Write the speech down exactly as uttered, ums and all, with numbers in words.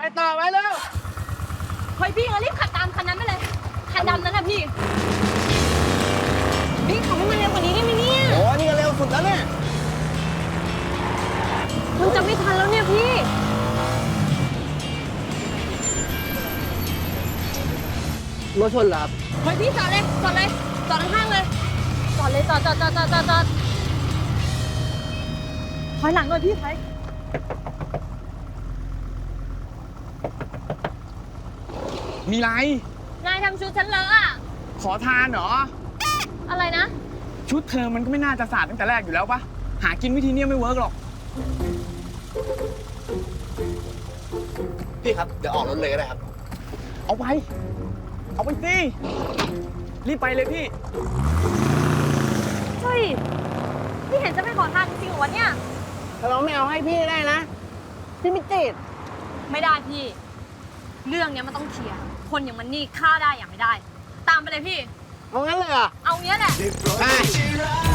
ต่อไปเร็วเฮ้ยพี่เรารีบขับตามคันนั้นไปเลย คันดำนั้นนะพี่ พี่ขับให้มันเร็วกว่านี้ได้ไหมเนี่ยโอ้นี่ก็เร็วสุดแล้วเนี่ยมันจะไม่ทันแล้วเนี่ยพี่รถชนเหรอครับเฮ้ยพี่จอดเลย จอดเลย จอดข้างๆเลย จอดเลย จอดจอดจอดจอดจอดจอดถอยหลังหน่อยพี่ถอยมีไรนายทำชุดฉันเลอะอะขอทานเหรออะไรนะชุดเธอมันก็ไม่น่าจะสาดตั้งแต่แรกอยู่แล้วปะหากินวิธีเนี้ยไม่เวิร์กหรอกพี่ครับ เดี๋ยวออกรถเลยก็ได้ครับเอาไป เอาไปสิ รีบไปเลยพี่เฮ้ย พี่เห็นจะไม่ขอทานจริงๆเหรอวะเนี่ยถ้าเราไม่เอาให้พี่ได้นะ พี่ไม่ติดไม่ได้พี่ เรื่องเนี้ยมันต้องเคลียร์ คนอย่างมันนี่ฆ่าได้อย่างไม่ได้ ตามไปเลยพี่เอางั้นเลยเหรอเอาเงี้ยแหละไป